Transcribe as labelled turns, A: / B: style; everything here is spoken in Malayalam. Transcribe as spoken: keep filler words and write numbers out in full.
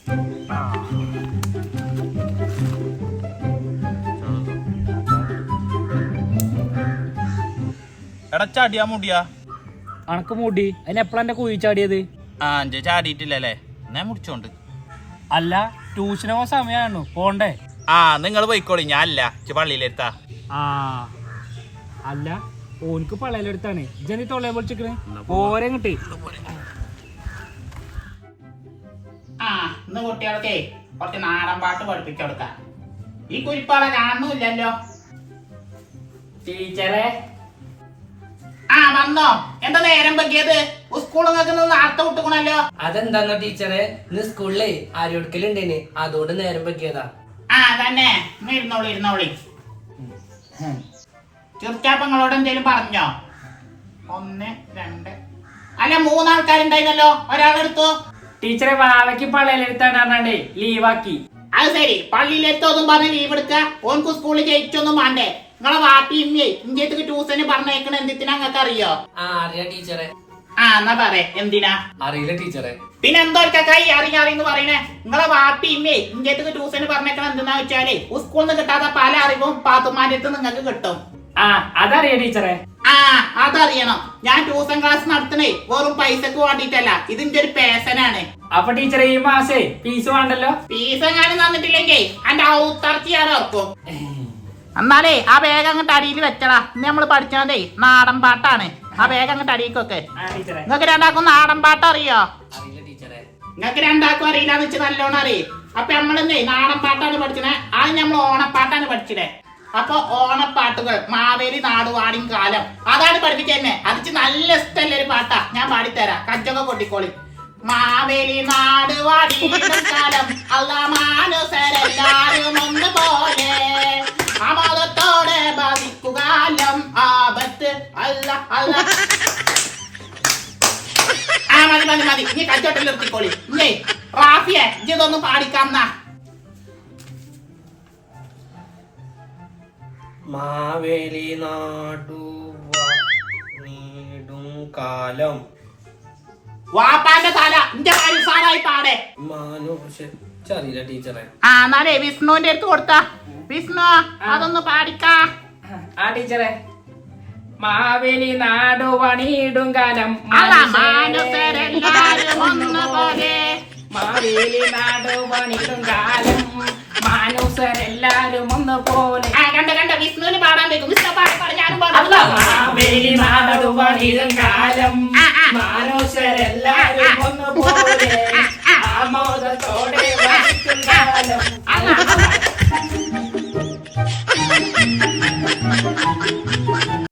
A: എടാ ചാടിയാ മുടിയാ
B: അണക്ക് മുടി അതിനെപ്പോഴാ എന്റെ കുഴി ചാടിയത്?
A: ആ അഞ്ച് ചാടിയിട്ടില്ലല്ലേ, ഞാൻ മുടിച്ചോണ്ട്.
B: അല്ല ട്യൂഷന് പോകാൻ സമയമാണോ പോണ്ടേ?
A: ആ നിങ്ങൾ പോയിക്കോളി, ഞാൻ അല്ല പള്ളിയിലെടുത്താ.
B: ആ അല്ല ഓനിക്ക് പള്ളയിലെടുത്താണ് ഇജനി തൊള്ളയെ പൊളിച്ചിക്കണ് പോരെ കിട്ടി.
C: ആ ഇന്ന് കുട്ടികൾക്കേ കുറച്ച് നാടൻ പാട്ട് പഠിപ്പിച്ചു കൊടുക്കാം. ഈ കുരിപ്പാളെ കാണുന്നില്ലല്ലോ.
B: ടീച്ചറെ
C: ആ വന്നോ? എന്താ നേരം പറ്റിയത്? സ്കൂളിൽ നേരത്തെ വിട്ടുക്കണല്ലോ.
D: അതെന്താന്നോ ടീച്ചറെ, ഇന്ന് സ്കൂളിലെ ആരോടുക്കലുണ്ടേന്, അതുകൊണ്ട് നേരം പറ്റിയതാ.
C: ആ തന്നെ, ഇരുന്നോളി ഇരുന്നോളി. ചെറുക്കാപ്പങ്ങളോട് എന്തേലും പറഞ്ഞോ? ഒന്ന് രണ്ട് അല്ല മൂന്നാൾക്കാരുണ്ടായിരുന്നല്ലോ, ഒരാളെടുത്തു.
B: ടീച്ചറെ വാവയ്ക്ക് പള്ളയിലെടുത്താണ് പറഞ്ഞാണ്ടേ ലീവാക്കി.
C: അത് ശരി, പള്ളിയിലെടുത്തൊന്നും പറഞ്ഞ് ലീവ് എടുക്ക. ഓൻക്ക് സ്കൂളിൽ ജയിച്ചൊന്നും വേണ്ടേ? നിങ്ങളെ വാപ്പി ഇമ്മേ ഇന്ത്യക്ക് ട്യൂഷന് പറഞ്ഞേക്കണ എന്തിനാ നിങ്ങൾക്ക് അറിയോ?
D: ആ അറിയാ ടീച്ചറെ.
C: ആ എന്നാ പറ, എന്തിനാ?
D: അറിയില്ല ടീച്ചറെ.
C: പിന്നെ എന്തോ കൈ അറിയാറിന്ന് പറയണേ. നിങ്ങളെ വാപ്പി ഇമ്മേ ഇന്ത്യക്ക് ട്യൂഷന് പറഞ്ഞേക്കണ എന്തെന്നാ വെച്ചാല് സ്കൂളിൽ നിന്ന് കിട്ടാത്ത പല അറിവും പാത്തുമാരുടെ അടുത്ത് നിങ്ങൾക്ക് കിട്ടും.
B: ആ അതറിയാ ടീച്ചറെ.
C: ആ അതറിയണം. ഞാൻ ട്യൂഷൻ ക്ലാസ് നടത്തണേ വെറും പൈസക്ക് വേണ്ടിട്ടല്ല, ഇതിന്റെ ഒരു പേശനാണ്.
B: അപ്പൊ ടീച്ചറെ ഈ മാസേ ഫീസ് വേണ്ടല്ലോ.
C: ഫീസ് എങ്ങാനും തന്നിട്ടില്ലെങ്കിൽ എന്റെ ഔത്തർച്ചി ഞാൻ ഓർക്കും. എന്നാലേ ആ വേഗം അങ്ങോട്ട് അടിയിൽ വെച്ചടാ. ഇന്ന് നമ്മള് പഠിച്ചതേ നാടൻ പാട്ടാണ്. ആ വേഗം അങ്ങോട്ട് അടിയിക്കൊക്കെ. നിങ്ങൾക്ക് രണ്ടാക്കും നാടൻ പാട്ട് അറിയോ?
D: അറിയില്ല ടീച്ചറെ.
C: നിങ്ങൾക്ക് രണ്ടാക്കും അറിയില്ലാന്ന് വെച്ച് നല്ലോണം അറിയും. അപ്പൊ നമ്മളെന്നേ നാടൻ പാട്ടാണ് പഠിച്ചത്. അത് നമ്മൾ ഓണപ്പാട്ടാണ് പഠിച്ചത്. അപ്പൊ ഓണപ്പാട്ടുകൾ മാവേലി നാടുവാടിൻ കാലം അതാണ് പഠിപ്പിച്ചെന്നെ. അതിച്ച് നല്ല ഇഷ്ടമല്ല ഒരു പാട്ടാ, ഞാൻ പാടിത്തരാം. കച്ചൊക്കെ കൊട്ടിക്കോളി. മാവേലി നാടുവാടിൻ കാലം അല്ല മാനുസരെല്ലാരും ഒന്ന് പോലെ ആമോദത്തോടെ ബാധിക്കുകാലം ആപത്ത് അല്ല അല്ല. ആ മതി മതി മതി, ഇനി കച്ചോട്ടിൽ നിർത്തിക്കോളി. ഇല്ലേ റാഫിയെ ഇതൊന്ന് പാടിക്കാന്നാ.
D: മാവേലി നാടുവാണിടും കാലം
C: വാപ്പാന്റെ തല ഇന്റെ പരിസാറായി പാടേ.
D: അറിയില്ല ടീച്ചറെ.
C: ആ എന്നാലേ വിഷ്ണുവിന്റെ അടുത്ത് കൊടുത്താ. വിഷ്ണു അതൊന്ന് പാടിക്കാ.
B: ആ ടീച്ചറെ. മാവേലി നാടുവാണിടും കാലം
C: മാനുസരെല്ലാരും ഒന്ന് പോലെ.
B: മാവേലി നാടുവാണിടും കാലം മാനുസരെല്ലാരും ഒന്ന് പോലെ.
C: ആ കണ്ട കണ്ട വിഷ്ണുവിന് പാടാൻ വെക്കും. വിഷ്ണു പാടി പാടി ഞാനും പാടാം.
B: മാവേലി നാടുവാണിടും കാലം മാനുസരെല്ലാരും ഒന്ന് പോലെ ആമോദത്തോടെ വസിക്കും കാലം.